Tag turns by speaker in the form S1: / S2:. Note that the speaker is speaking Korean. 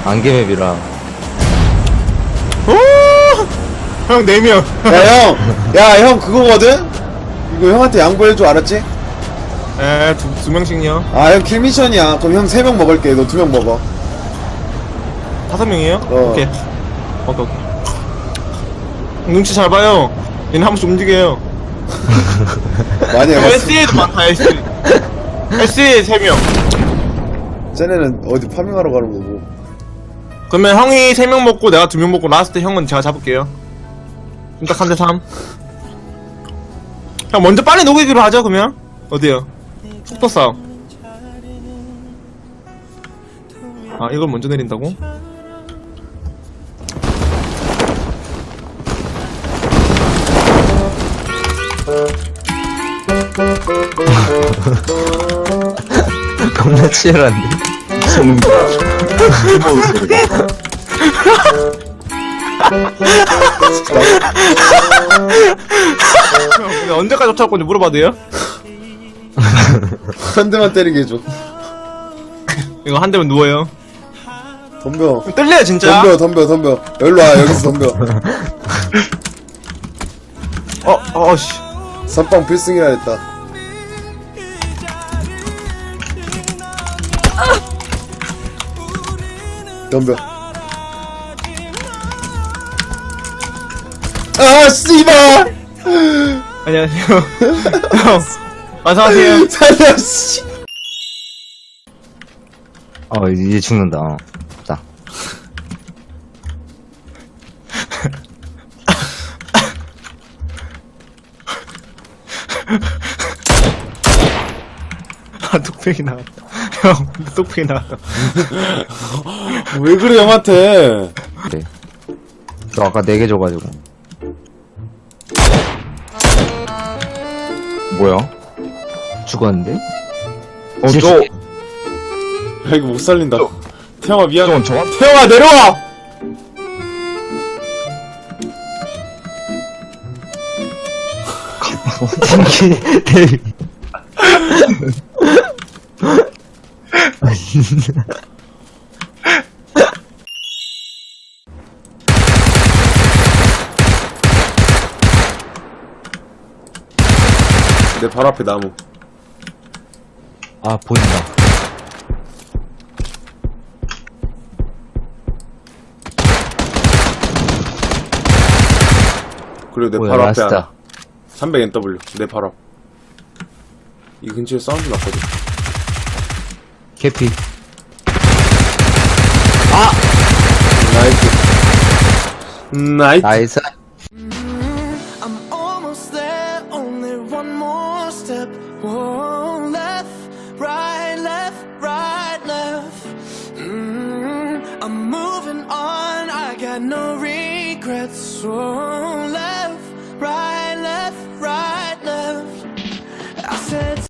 S1: 안개맵이라.
S2: 형 4명.
S3: 야 형 그거거든? 이거 형한테 양보해줘 알았지?
S2: 에, 두 명씩요.
S3: 아 형 킬미션이야. 그럼 형 3명 먹을게. 너 2명 먹어.
S2: 5명이에요?
S3: 어.
S2: 오케이. 눈치 잘 봐요. 얘는 한 번씩 움직여요.
S3: 많이 해봤어.
S2: SE도 많다, SE. SE 3명.
S3: 쟤네는 어디 파밍하러 가는 거고.
S2: 그러면 형이 3명 먹고 내가 2명 먹고 라스트 형은 제가 잡을게요. 딱 3대 3. 형 먼저 빨리 녹이기로 하죠 그러면. 어디요? 속도 싸움. 아 이걸 먼저 내린다고?
S1: 겁나 치열한데.
S2: 근데 언제까지 쫓아올 건지 물어봐도 돼요?
S3: 한 대만 때리게 해줘.
S2: 이거 한 대면 누워요.
S3: 덤벼.
S2: 떨려요 진짜.
S3: 덤벼. 여기로 와. 여기서 덤벼.
S2: 씨.
S3: 선빵 필승이라 했다. 덤벼. 아 씨발.
S2: 안녕하세요. 형. 어서오세요.
S3: 살려 씨.
S1: 이제 죽는다. 자.
S2: 아 뚝배기 나왔다. 형 뚝배기 나왔다.
S3: 왜 그래 형한테?
S1: 그래. 너 아까 4개 줘가지고. 뭐야? 죽었는데?
S3: 야 이거 못 살린다. 태영아 미안해.
S1: 저건
S3: 태영아 내려와.
S1: 대위.
S3: 내 발 앞에 나무.
S1: 아, 보인다.
S3: 그리고 내
S1: 뭐야,
S3: 발 앞에
S1: 라스트다.
S3: 하나. 300NW 내 발 앞. 이 근처에 사운드 났거든.
S1: 캐피.
S3: 나이스.
S1: 나이스.
S4: I'm almost there, only one more step. Whoa, left, right, left, right, left. I'm moving on, I got no regrets. Whoa, left, right, left, right, left. I said